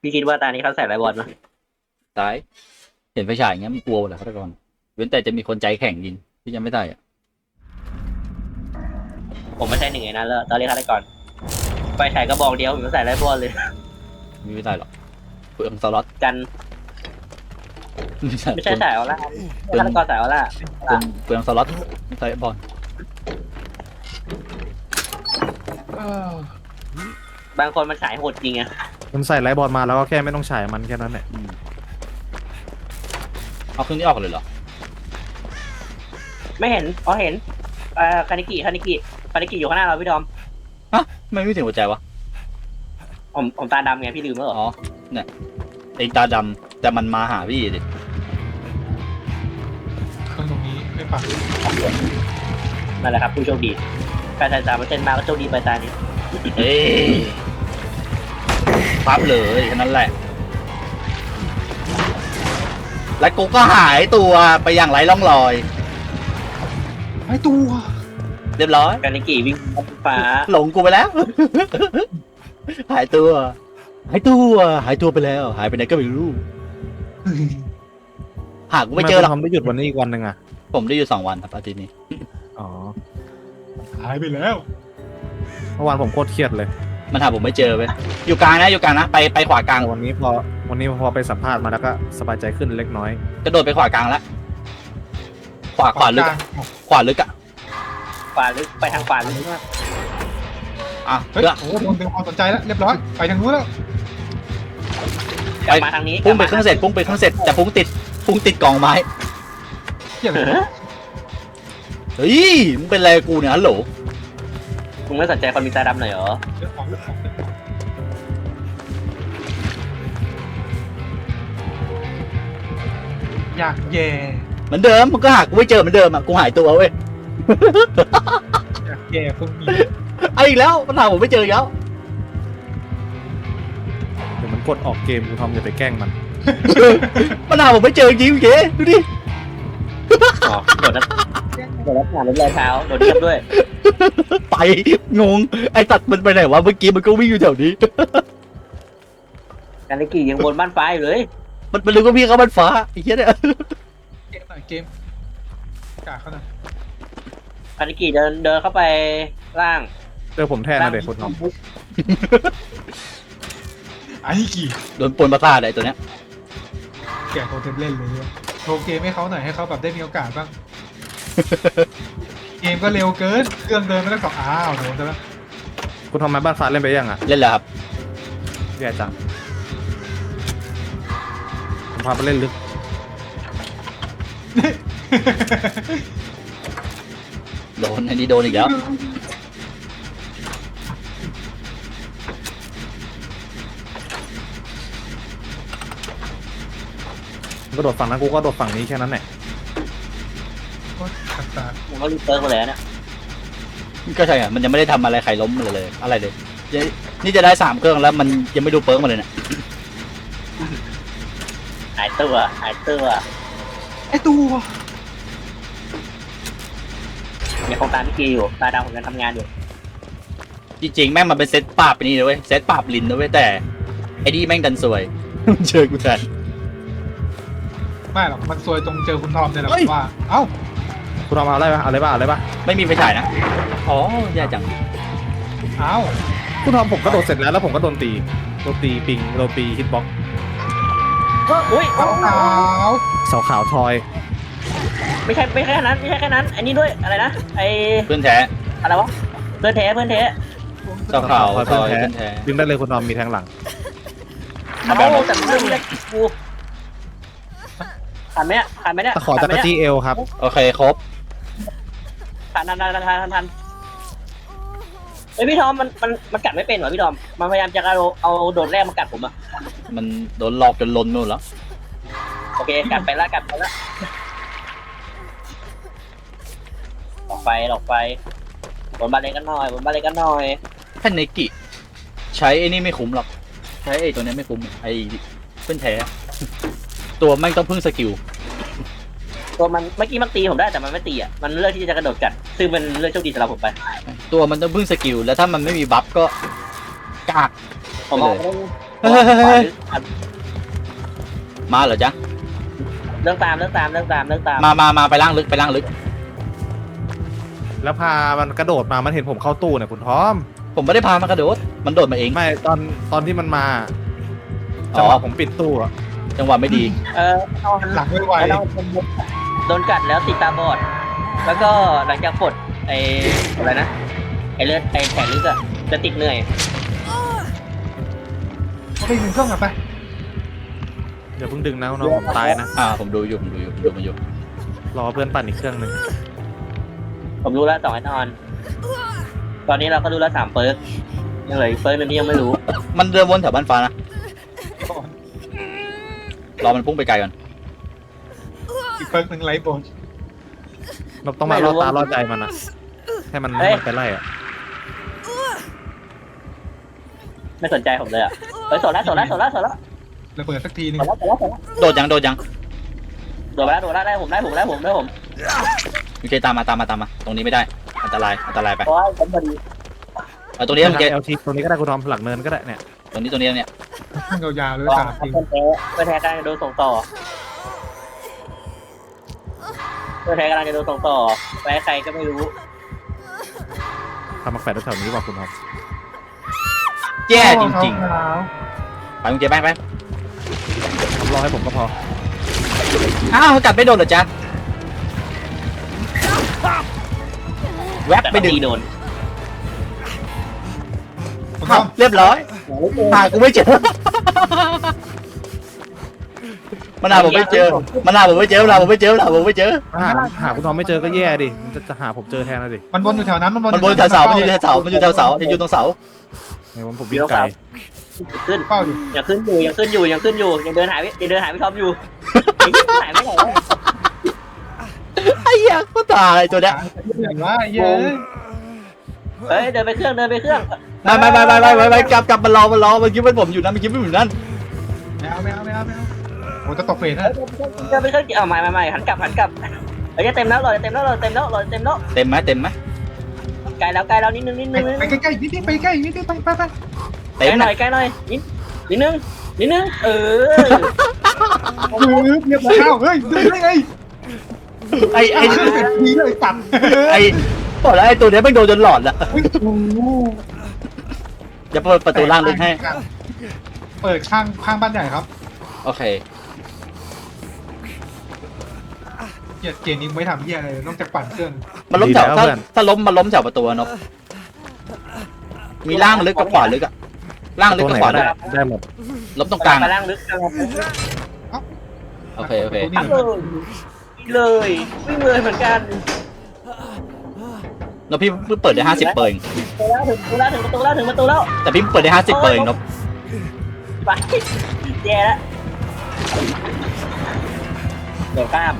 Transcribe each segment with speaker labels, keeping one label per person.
Speaker 1: พี่คิดว่าตานี้เขาใส่ไรบอลมั้ย
Speaker 2: ตายเห็นไฟฉายอย่างเงี้ยมันกลัวเหรอฆาตกรเว้นแต่จะมีคนใจแข็งยิงที่ยังไม่ได้อะ
Speaker 1: ผมไม่ใช่หนึ่งในนั้นแล้วตอนเรียกฆาตกรไฟฉายกระบอกเดียวผมใส่ไรบอลเลย
Speaker 2: ไม่ได้หรอกเปลืองสล็อต
Speaker 1: กันไม่ใช่สายออร่าฆาตกรสายออร่า
Speaker 2: เปลืองสล็อตใส่บอล
Speaker 1: บางคนมันฉายโหดจริงไง
Speaker 3: มันใส่ไลท์บอลมาแล้วก็แค่ไม่ต้องฉายมันแค่นั้นแหละ
Speaker 2: เอาเครื่องนี้ออกเลยเหรอ
Speaker 1: ไม่เห็นอ๋อเห็นคานิกิอยู่ข้างหน้าเราพี่ดอม
Speaker 2: ฮะไม่ถึงหัวใจวะ
Speaker 1: ผมตาดำไงพี่ลืมแล้วเหรอ
Speaker 2: อ๋อเนี่ยไอ้ตาดำแต่มันมาหาพี่ดิ
Speaker 4: เครื่องตรงนี้ไม่ปัก
Speaker 1: นั่นแหละครับผู้โชคดีการใส่3%มาก็โชคดีไปตานี้
Speaker 2: เอ้ยปั๊บเลยแค่นั้นแหละแล้วกูก็หายตัวไปอย่างไร้ร่องรอย
Speaker 4: ไอ้ตัว
Speaker 2: เรียบร้อย
Speaker 1: คานิกิวิ่งฟ้า
Speaker 2: หลงกูไปแล้ว หายตัวหายตัวไปแล้วหายไปไหนก็ไม่รู้หากูไม่เจอหรอก
Speaker 3: ทำได้หยุดวันนี้อีกวันหนึ่งอ่ะ
Speaker 2: ผมได้อยู่2 วันครับอาทิตย์นี้
Speaker 3: อ๋อ
Speaker 4: หายไปแล้ว
Speaker 3: เมื่อวานผมโคตรเครียดเลย
Speaker 2: มันหาผมไม่เจอเว้ยอยู่กลางนะไปขวากลาง
Speaker 3: แต่วันนี้พอไปสัมภาษณ์มาแล้วก็สบายใจขึ้นเล็กน้อย
Speaker 2: กระโดดไปขวากลางแล้วขวาลึกอะขวาลึกอะ
Speaker 1: ขวาลึกไปทางขวาลึกมาก
Speaker 2: อ่ะ
Speaker 4: เฮ้ย
Speaker 2: เลือก
Speaker 4: โอ้โหโดนดึงความสนใจแล้วเรียบร้อยไปทางนู้นแล้ว
Speaker 1: กลับมาทางนี้
Speaker 2: พุ่งไปเครื่องเสร็จแต่พุ่งติดกล่องไม้
Speaker 4: เกี่ยอะไร
Speaker 2: เฮ้ยมึงเป็นอะไรกูเนี่ยฮัลโหล
Speaker 1: มึงไม่สนใจคนมีตาดำหน่อยเหรอ
Speaker 4: เรื่องของอยากแย่
Speaker 2: เหมือนเดิมมึงก็หากูไม่เจอเหมือนเดิมอะกูหายตัวเว้ย
Speaker 4: อยากแย่พวกนี้
Speaker 2: ไอ้อีกแล้วมันหาผมไม่เจออีกแล้ว
Speaker 3: เดี๋ยวมันกดออกเกมกูทำอย่าไปแกล้งมัน
Speaker 2: มันหาผมไม่เจอจริงเก๋ดูดิ
Speaker 1: อ๋อโดดแล้วผ่านรอยเท้าโดดเทียบด้วย
Speaker 2: ไปงงไอ้ตัดมันไปไหนวะเมื่อกี้มันก็วิ่งอยู่แถวนี้
Speaker 1: คานิกิยังบนบ้านฟ้าอยู่เลย
Speaker 2: มันรู้ว่าพี่เขามันฟ้าไอ้เหี้ยเนี่ย
Speaker 4: เกมหน่อยเกมกาเขาหน่อย
Speaker 1: คานิกิเดินเข้าไปล่าง
Speaker 3: เจอผมแทนนะเด็กคนน้อง
Speaker 4: ไอ้กี่
Speaker 2: โดนปนประสาทไอ้ตัวเนี้ย
Speaker 4: แกะโทรเทมเล่นเลยเนี่ยโชว์เกมให้เขาหน่อยให้เขาแบบได้มีโอกาสบ้าง เกมก็เร็วเกินเครื่องเดินไม่ต้องต่ออ้าวโดนซะแล้ว
Speaker 3: คุณทำไมบ้านฟ้าเล่นไปยังอ่ะ
Speaker 2: เล่นแล้วครับ
Speaker 3: แย่จังผมพาไปเล่นลึก
Speaker 2: โดนอันนี้โดนอีกแล้ว
Speaker 3: ก็โดดฝั่งนั้นกูก็โดดฝั่งนี้แค่นั้นแหละ
Speaker 4: โอ๊ยขัดตา
Speaker 1: ผมก็รีบเติร์กมาเลยนะ
Speaker 2: ก็ใช่อะมันยังไม่ได้ทำอะไรใครล้มเลยอะไรเลยนี่จะได้3 เครื่องแล้วมันยังไม่ดูเปิร์กมาเลยเนี่ย
Speaker 1: หายตัว
Speaker 4: ไอ้ตัว
Speaker 1: มีโครงการพี่กีอยู่ตาดำผมยังทำงานอยู่
Speaker 2: จริงๆแม่งมันเป็นเซตปราบไปนี่เลยเว้ยเซตปราบลินนะเว้ยแต่ไอ้นี่แม่งดันสวย เจอกูแทน
Speaker 4: ไม่หรอกมันซวยตรงเจอคุณทอมเนี่ยแหละ
Speaker 2: เฮ้ย
Speaker 4: ว่าเอ้า
Speaker 3: คุณทำเอาอะไรปะเอาอะไรปะเอาอะไรปะ
Speaker 2: ไม่มีไฟฉายนะอ๋อแย่จัง
Speaker 4: เอ้า
Speaker 3: คุณทำผมก็โดดเสร็จแล้วผมก็โดนตีปิงโดนตีฮิตบ็อก
Speaker 1: อุ้ย
Speaker 4: เอ้าเอ้า
Speaker 3: เสาขาวทอย
Speaker 1: ไม่ใช่แค่นั้นอันนี้ด้วยอะไรนะไอ
Speaker 2: เพื่อนแท้
Speaker 1: อะไรวะเพื่อนเท
Speaker 2: เจ้าข่าวซอยเพื่อนแท้
Speaker 3: ดึงได้เลยคุณทอมมีแทงหลัง
Speaker 1: เอาแต่เรื่องนี้กูผ่านไหมเนี่ย
Speaker 3: ตะขอจักรจี้เอลครับ
Speaker 2: โอเคครบ
Speaker 1: ทันเฮ้ยพี่ทอมมันกัดไม่เป็นเหรอพี่ทอมมันพยายามจะเอาโดดแรกมากัดผมอะ
Speaker 2: มันโดนหลอกจนล้นนู่นแล้ว
Speaker 1: โอเคกัดไปละหลอกไปบนบาเลกันหน่อย
Speaker 2: แค่เนกิใช้ไอ้นี่ไม่คุ้มหรอกใช้ไอ้ตัวเนี้ยไม่คุ้มไอ้เพื่อนแท้ตัวแม่งต้องพึ่งสกิล
Speaker 1: ตัวมันเมื่อกี้มันตีผมได้แต่มันไม่ตีอ่ะมันเลือกที่จะกระโดดกัดซึ่งเป็นเรื่องโชคดีสำหรับผมไป
Speaker 2: ตัวมันต้องพึ่งสกิลแล้วถ้ามันไม่มีบัฟก็กาก
Speaker 1: ผมเอา
Speaker 2: เฮ้ยมาเหรอจ๊ะ
Speaker 1: เรื่องตาม
Speaker 2: มาไปล่างลึกไปล่างลึก
Speaker 3: แล้วพามันกระโดดมามันเห็นผมเข้าตู้เนี่ยคุณทอม
Speaker 2: ผมไม่ได้พามากระโดดมันโดดมาเอง
Speaker 3: ไม่ตอนที่มันมา
Speaker 2: อ๋อ
Speaker 3: จังหวะผมปิดตู้อะ
Speaker 2: จังหวะไม่ดี
Speaker 1: นอน
Speaker 4: หลังไม่ไหว
Speaker 1: แล้วโดนกัดแล้วติดตาบอด แล้วก็หลังจากปลดไอ้อะไรนะไอ้เลือดไอ้แผลลึกอะจะติดเหนื่อย
Speaker 4: ไปหนึ่งเครื่องอะไป
Speaker 3: อย่าเพิ่งดึงนะน้องผมตายนะ
Speaker 2: ผมดูอยู่ผมดูมันอยู่
Speaker 3: รอเพื่อนปั่นอีกเครื่องหนึ่ง
Speaker 1: ผมรู้แล้ว2ไอ้นอน ตอนนี้เราก็รู้แล้ว3เปิร์กยังเหลืออีกเปิร์กนึงที่ยังไม่รู้
Speaker 2: มันเดินวนแถวบ้านฟ้านะรอมันพุ่งไปไกลก่อน
Speaker 4: อีกเปิร์กหนึ่งไลฟ์โบน
Speaker 3: เราต้องมาล่อตาล่อใจมันอะให้มันไปไล่อะ
Speaker 1: ไม่สนใจผมเลยอะเฮ้ยสดแล้ว
Speaker 4: ระเบิดสักทีนึง
Speaker 2: โดดยังโดดไปแล้ว
Speaker 1: ได้ผม
Speaker 2: โอเคตามมาตรงนี้ไม่ได้อันตรายไป
Speaker 1: เพราะว่าผมพอดี
Speaker 2: เอาตรงนี้โอเค
Speaker 3: เอลทีตรงนี้ก็ได้คุณทอมหลังเนินก็ได้เนี่ย
Speaker 2: ตรงนี้เนี่ย
Speaker 4: ข้างยาวๆเลย
Speaker 1: ว่า
Speaker 4: สามที
Speaker 1: เพื่อนแท้กำลังจะโดนส่งต่อไปใครก็ไม่รู้
Speaker 3: ทำมาแฝดแถวนี้ว่าคุณทอม
Speaker 2: แย่จริงๆไปมึงเจ๊ไป
Speaker 3: ทำรอให้ผมก็พอ
Speaker 2: อ้าวกัดไม่โดนเหรอจ๊ะแวบไปดึง
Speaker 1: โดน
Speaker 2: เรียบร้อยหากูไม่เจอมันหาผมไม่เจอ
Speaker 3: หาคุณทอมไม่เจอก็แย่ดิจะหาผมเจอแทนนะดิ
Speaker 4: มันวนอยู่แถวนั้น
Speaker 2: มันบนแถวเสามันอยู่แถวเสายังอยู่ตรงเสา
Speaker 3: ในวันผมวิ่งไกล
Speaker 1: ขึ้น
Speaker 4: เฝ้าอยู่
Speaker 1: ยังขึ้นอยู่ยังเดินหายพี่ท็อปอยู่หายไม่ไหน
Speaker 2: ไอ้เหี้ยก็ตายตัวเนี้ย
Speaker 4: อย่างว่าเย้
Speaker 1: เฮ้ยเดินไปเครื่อง
Speaker 2: ไม่กลับมารอมันคิดว่าผมอยู่นั่นมันคิดว่าอยู่นั่น
Speaker 4: ไม่เอาโอ้จะตกเฟสนะ
Speaker 1: เดินไปเครื่องเอาไม่หันกลับเฮ้ยจะเต็มแล้วเต็มไหม ไกลแล้วนิดนึง
Speaker 4: ไปใกล้ๆนิดไปใกล้นิดไป
Speaker 1: ไกลหน่อยนิดนึง
Speaker 4: เรียบร้อยเฮ้ยดูได้ไง
Speaker 2: ไอ้
Speaker 4: ดีเลยตัด
Speaker 2: บอกแล้วไอ้ตัวเนี้ยไม่โดนจนหลอดละจะเปิดประตูล่างลึกให้
Speaker 4: เปิดข้างบ้านใหญ่ครับ
Speaker 2: โอเค
Speaker 4: เกมนี้ไม่ทำเหี้ยอะไรนอกจากปั่นเครื่อง
Speaker 2: มันล้มแถวถ้าล้มมันล้มแถวประตูนกมีล่างลึกกับขวาลึกอะล่างลึก
Speaker 3: ตัว
Speaker 2: กับ
Speaker 3: ไหน
Speaker 2: ขวา
Speaker 3: ก็
Speaker 2: ลึ
Speaker 3: ได้
Speaker 2: ก
Speaker 3: ได้หมด
Speaker 2: ล้มตรงกลาง
Speaker 1: ล่างลึก
Speaker 2: โอเค
Speaker 1: เลยวิ่งเลยเหมือนกัน
Speaker 2: นกพี่เพิ่งเปิดได้50เปิง
Speaker 1: ถึงประตูแล้ว
Speaker 2: แต่พี่เปิดได้50เปิงนก
Speaker 1: ไปแย่แล้วเดี๋ยวข้าม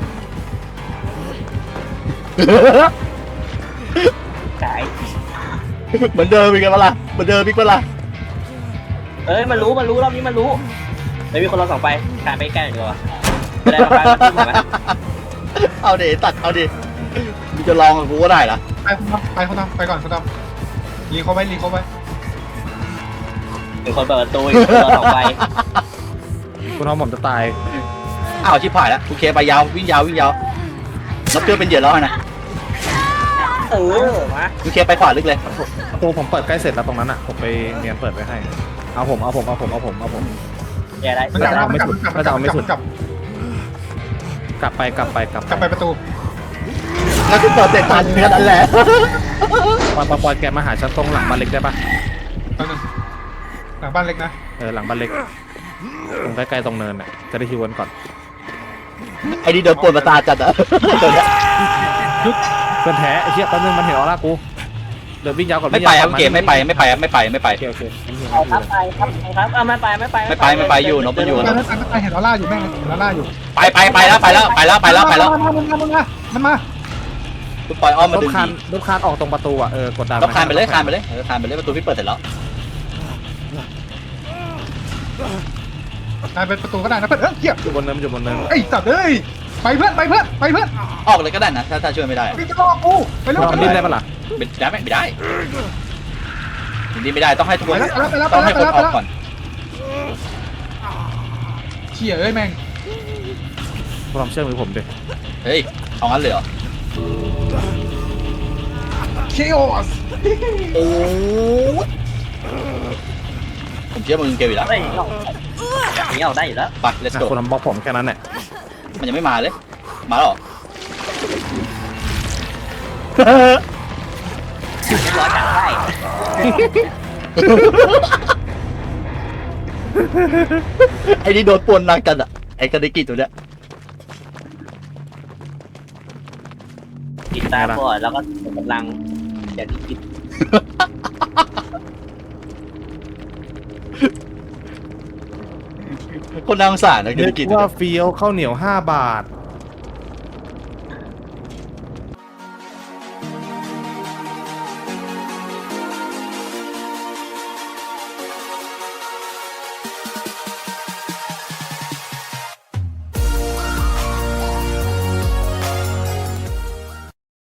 Speaker 1: ขาย
Speaker 2: เหมือนเดิมอีกแล้วล่ะ
Speaker 1: เอ้ยมันรู้รอบนี้มันรู้ไม่มีคนเรา2ไปขายไปใกล้หน่อยดีกว่าไม่ได้ไปไหม
Speaker 2: เอาดิตัดเอาดิมึงจะลองกับกูก็ได้เหรอ
Speaker 4: ไปคนทำไปก่อนคนทำรีเขาไว้
Speaker 1: เป็นคนเปิดประตูอีกคนเรา2ไป
Speaker 3: คุณทอมผมจะตาย
Speaker 2: อ้าวชิบหายแล้วโอเคไปยาววิ่งยาวนกเพื่อเป็นเหยื่อแล้วนะ
Speaker 1: มา
Speaker 2: โอเคไปขวาลึกเลย
Speaker 3: ประตูผมเปิดใกล้เสร็จแล้วตรงนั้นอ่ะผมไปเนียนเปิดไว้ให้เอาผม
Speaker 1: แย่ได้
Speaker 4: มันกลับ
Speaker 3: กลับไป
Speaker 4: ประตู
Speaker 2: แล้วคือเปิดเสร็จทันแค่นั้นแหละ
Speaker 3: ปอยแกมาหาฉันตรงหลังบ้านเล็กได้ปะ
Speaker 4: ตอนนึงหลังบ้านเล็กนะ
Speaker 3: หลังบ้านเล็กตรงใกล้ๆตรงเนินน่ะจะได้ฮิวกันก่อน
Speaker 2: ไอ้นี่เดินปวดประสาทจัดอะตัวเนี้ย
Speaker 3: เพื่อนแท้ไอ้เหี้ยแป๊บนึงมันเห็นออร่ากูเดินวิ่งยาวก่อน
Speaker 2: ไม่ไปครับเกมไม่ไป
Speaker 3: โอเค
Speaker 1: ครับเอาไม่ไปอยู่นกมันอยู่
Speaker 4: ไปเห็นออร่าอยู่แม่งเห็นออร่าอยู่
Speaker 2: ไปแล้ว
Speaker 4: มันมา
Speaker 2: คุณปล่อยอ้อมมาดึง
Speaker 3: ลูกคานออกตรงประตูอ่ะกดดัน
Speaker 2: แล้วคานไปเลยประตูพี่เปิดเสร็จแล้ว
Speaker 4: ได้เป็นประตูก็ได้นะเพื่อนเหี้ย
Speaker 3: อยู่บนเนิน
Speaker 4: ไอ้สัตว์เอ้ยไปเพื่อน
Speaker 2: ออกเลยก็ได้นะถ้าช่วยไม่ได้
Speaker 4: พี่จะรอกูไปเร็ว
Speaker 3: เราดิ้นได้ปะล่ะ
Speaker 2: ไม่ได้ดิ้นไม่ได้ต้องให้ทุกคน
Speaker 4: ไปแล้ว
Speaker 2: ต้องให้คนออกก่อน
Speaker 4: ชี่ยเอ้ยแม่ง
Speaker 3: ความเชื่อมือผมดิ
Speaker 2: เฮ้ยเอางั้นเลยเหรอ
Speaker 4: เคโอส
Speaker 2: โอ้ผมเชื่อมึงเกลอยู่แล้ว
Speaker 1: ได้อย่างนี้เอาได้อยู่แล้ว
Speaker 2: ไป let's go
Speaker 3: คนทำบล็อกผมแค่นั้นแหละ
Speaker 2: มันยังไม่มาเลย มาแล้วเหรอ
Speaker 1: เรียบร้อยจัดได้
Speaker 2: ไอ้นี่โดนปวนหนักจัดอะไอ้กระดิกิตัวเนี้ย
Speaker 1: ติดตามก่อนแล้วก็กำลังอย่างที่คิด
Speaker 2: คนน่าสงสารนะกระดิกิตัว
Speaker 3: ว่า
Speaker 2: เนี้ย
Speaker 3: เฟี้ยวข้าวเหนียว5 บาท